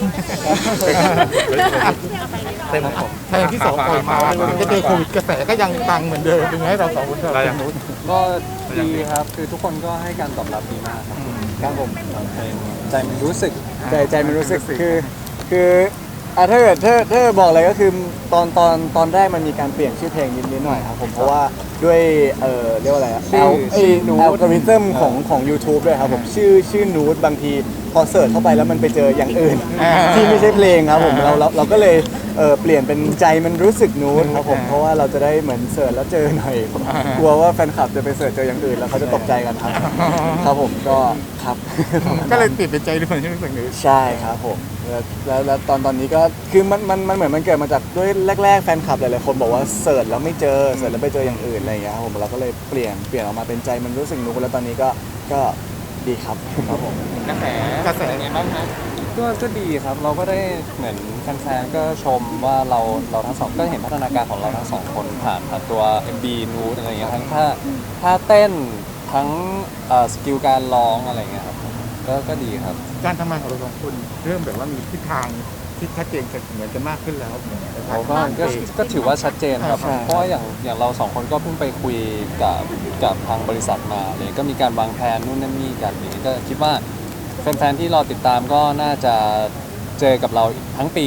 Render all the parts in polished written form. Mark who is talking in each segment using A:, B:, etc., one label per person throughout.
A: เต็มผม
B: เพลงที่สองปล่อยมาจะเจอโควิดกระแสก็ยังปังเหมือนเดิมเป็นไงเราสองคนเราอย่างนู้น
C: ก็ดีครับคือทุกคนก็ให้การตอบรับดีมากครับครับผมเพลงใจมันรู้สึกใจมันรู้สึกคือถ้าเกิดถ้าบอกอะไรก็คือตอนแรกมันมีการเปลี่ยนชื่อเพลงนิดหน่อยครับผมเพราะว่าด้วยเรียกว่าอะไรอัลกอริทึมของ YouTube ด้วยครับผมชื่อนูดบางทีพอเสิร์ชเข้าไปแล้วมันไปเจออย่างอื่นที่ไม่ใช่เพลงครับผมเราก็เลยเปลี่ยนเป็นใจมันรู้สึกนูดครับผมเพราะว่าเราจะได้เหมือนเสิร์ชแล้วเจอหน่อยกลัวว่าแฟนคลับจะไปเสิร์ชเจออย่างอื่นแล้วเขาจะตกใจกันครับครับผมก็ครับ
B: ก็เลยติดเป็นใจด้วยใช่ไหมสิ่งนี้
C: ใช่ครับผมแล้วตอนนี้ก็คือมันเหมือนมันเกิดมาจากด้วยแรกๆแฟนคลับหลายๆคนบอกว่าเสิร์ชแล้วไม่เจอเสิร์ชแล้วไปเจออย่างอื่นอะไรอย่างเงี้ยครับผมเราก็เลยเปลี่ยนออกมาเป็นใจมันรู้สึกนูดแล้วตอนนี้ก็ดีครับครับผม
B: กระแสไงบ้างฮะ
C: ก็ดีครับเราก็ได้เหมือนแฟนๆก็ชมว่าเราทั้งสองก็เห็นพัฒนาการของเราทั้งสองคนผ่านตัว MV นูดอะไรอย่างเงี้ยทั้งท่าเต้นทั้งสกิลการร้องอะไรอย่างเงี้ยครับก็ดีครับ
B: การทำงานของเราสองคนเริ่มแบบว่ามีทิศทางที่ชัดเจนเหมือนกันมากขึ้นแล้ว
C: เขาก็ถือว่าชัดเจนครับเพราะว่าอย่างเราสองคนก็เพิ่งไปคุยกับทางบริษัทมาเลยก็มีการวางแผนนู่นนั่นนี่กันอย่างนี้ก็คิดว่าแฟนๆที่รอติดตามก็น่าจะเจอกับเราทั้งปี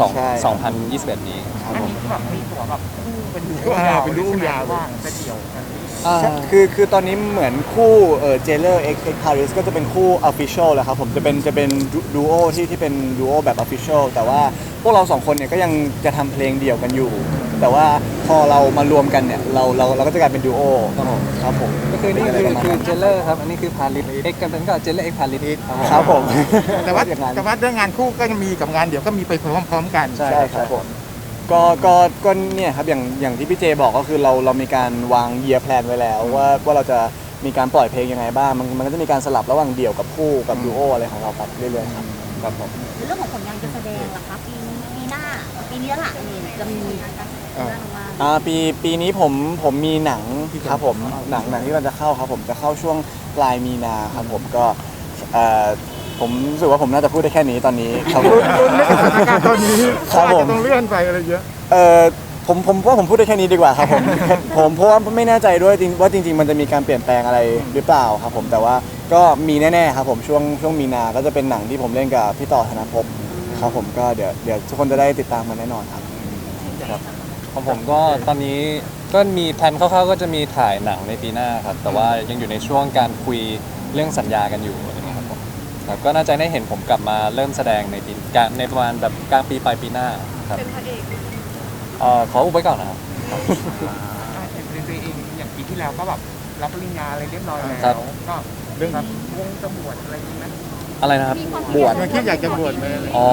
C: 2021นี้ครับผม
A: แบบมีตัวแบบเป็น
B: ดูยาว
A: ว่างจะเดี่ยวกัน
C: คือตอนนี้เหมือนคู่เจเลอร์เอ็กพาริสก็จะเป็นคู่ Official แหละครับผมจะเป็นดูโอที่เป็นดูโอแบบ Official แต่ว่าพวกเราสองคนเนี่ยก็ยังจะทำเพลงเดี่ยวกันอยู่แต่ว่าพอเรามารวมกันเนี่ยเราก็จะกลายเป็นดูโอครับผมก็คือนี่คือเจเลอร์ครับอันนี้คือพาริสเอ็กกันเป็นก็เจเลอร์เอ็กพาริสครับผม
B: แต่ว่าเรื่องงานคู่ก็จะมีกับงานเดี่ยวก็มีไปพร้อมๆกัน
C: ใช่ครับผมก็เนี่ยครับอย่างที่พี่เจบอกก็คือเรามีการวางเยียร์แพลนไว้แล้วว่าเราจะมีการปล่อยเพลงยังไงบ้างมันก็จะมีการสลับระหว่างเดี่ยวกับคู่กับดูโออะไรของเราไปเรื่อยๆครับผม
D: เรื่องของผลงานการแสดงล่ะครับปีนี้แล้วล่ะจะมี
C: ปีนี้ผมมีหนังครับผมหนังที่เราจะเข้าครับผมจะเข้าช่วงปลายมีนาครับผมก็ผมรู้สึกว่าผมน่าจะพูดได้แค่นี้ตอนนี้ครับผม
B: ตอนนี้ครับผมต้องเลื่อนไปอะไรเยอะ
C: ผมว่าผมพูดได้แค่นี้ดีกว่าครับผมเพราะว่าไม่แน่ใจด้วยว่าจริงๆมันจะมีการเปลี่ยนแปลงอะไรหรือเปล่าครับผมแต่ว่าก็มีแน่ๆครับผมช่วงมีนาก็จะเป็นหนังที่ผมเล่นกับพี่ต่อธนภพครับผมก็เดี๋ยวทุกคนจะได้ติดตามมันแน่นอนครับของผมก็ตอนนี้ก็มีแผนคร่าวๆก็จะมีถ่ายหนังในปีหน้าครับแต่ว่ายังอยู่ในช่วงการคุยเรื่องสัญญากันอยู่ครับก็น่าจะได้เห็นผมกลับมาเริ่มแสดงในประมาณแบบกลางปีปลายปีหน้าครับเป็นพระเอกขออุบไว้ก่อนนะครับ
A: เองอย่างปีที่แล้วก็แบบรับปริญญาอะไรเรียบร้อยแล้วก็เรื่องวงจะบวชอะไรนี้นะ
C: อะไรนะครับ
B: บวชมันคิดอยากจะบวชไหม
C: อ๋อ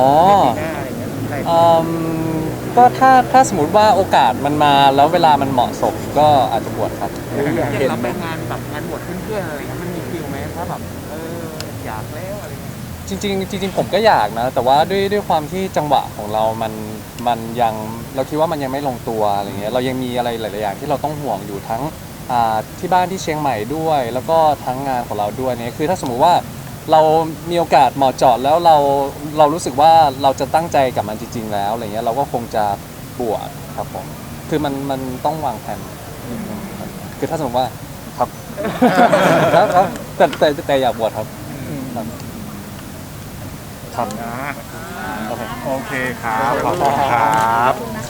C: ก็ถ้าสมมติว่าโอกาสมันมาแล้วเวลามันเหมาะสมก็อาจจะบวชครับ
A: เห็นเราไปงานแบบงานบวชเพื่อนๆอะไรมันมีฟิลไหมถ้าแบบอยากแล้วอะไร
C: จริงผมก็อยากนะแต่ว่าด้วยความที่จังหวะของเรามันยังเราคิดว่ามันยังไม่ลงตัวอะไรเงี้ยเรายังมีอะไรหลายๆอย่างที่เราต้องห่วงอยู่ทั้งที่บ้านที่เชียงใหม่ด้วยแล้วก็ทั้งงานของเราด้วยเนี่ยคือถ้าสมมุติว่าเรามีโอกาสเหมาะเจาะแล้วเรารู้สึกว่าเราจะตั้งใจกับมันจริงๆแล้วอะไรเงี้ยเราก็คงจะบวชครับผมคือมันต้องวางแผนคือถ้าสมมติว่าครับแต่อยากบวชครับ
B: โอเคครับขอบคุณครับ